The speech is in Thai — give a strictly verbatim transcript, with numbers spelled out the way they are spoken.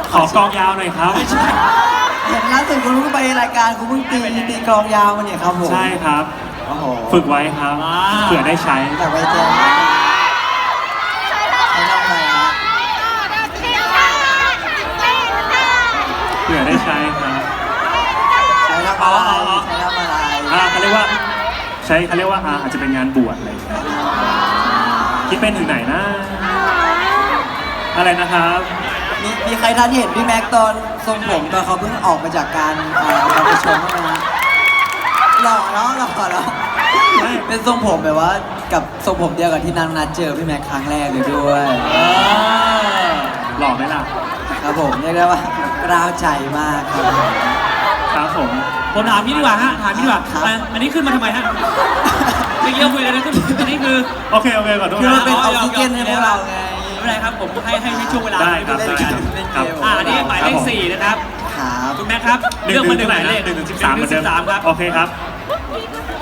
ขอกองยาวหน่อยครับไม่ใช่เห็นล่าสุดคุณเพิ่งไปรายการคุณเพิ่งตีตีกลองยาวมาเนี่ยครับผมใช่ครับโอ้โหฝึกไว้ครับเผื่อได้ใช้แต่ไว้แจ้งใช้ทำอะไรฮะเผื่อได้ใช้ครับใช้ทำอะไรใช้ทำอะไรอ่าเขาเรียกว่าใช้เขาเรียกว่าอ่าอาจจะเป็นงานบวชอะไรอย่างเงี้ยคิดเป็นถึงไหนนะอะไรนะครับมีมีใครทันเห็นพี่แม็กตอนทรงผมตอนเขาเพิ่งออกมาจากการเอ่อการประชุมบ้างไหมฮะหล่อเนาะหล่อเนาะเป็นทรงผมแบบว่ากับทรงผมเดียวกับที่นางนัดเจอพี่แม็กครั้งแรกเลยด้วยหล่อไหมล่ะครับผมเรียกได้ว่ากล้าวใจมากครับครับผมผมถามพี่ดีกว่าฮะถามพี่ดีกว่าครับอันอันนี้ขึ้นมาทำไมฮะเมื่อกี้เราคุยกันนะขึ้นอันนี้คือโอเคโอเคขอโทษคือมันนะเป็นออกซิเจนให้พวกเราไงไม่เป็นไรครับผมให้ให้ให้ช่วงเวลาได้ครับเล่นได้เกคมรับเล่นครับเกมอ่าอันนี้หมายเลขสี่นะครับครับคุณแม่ครับหนึ่งเลือกถึมาง หนึ่เท่าง ไหหร่มายนะเลขหนึ่งถึงสิบสามเหมือนเดิมสามครับโอเคครับ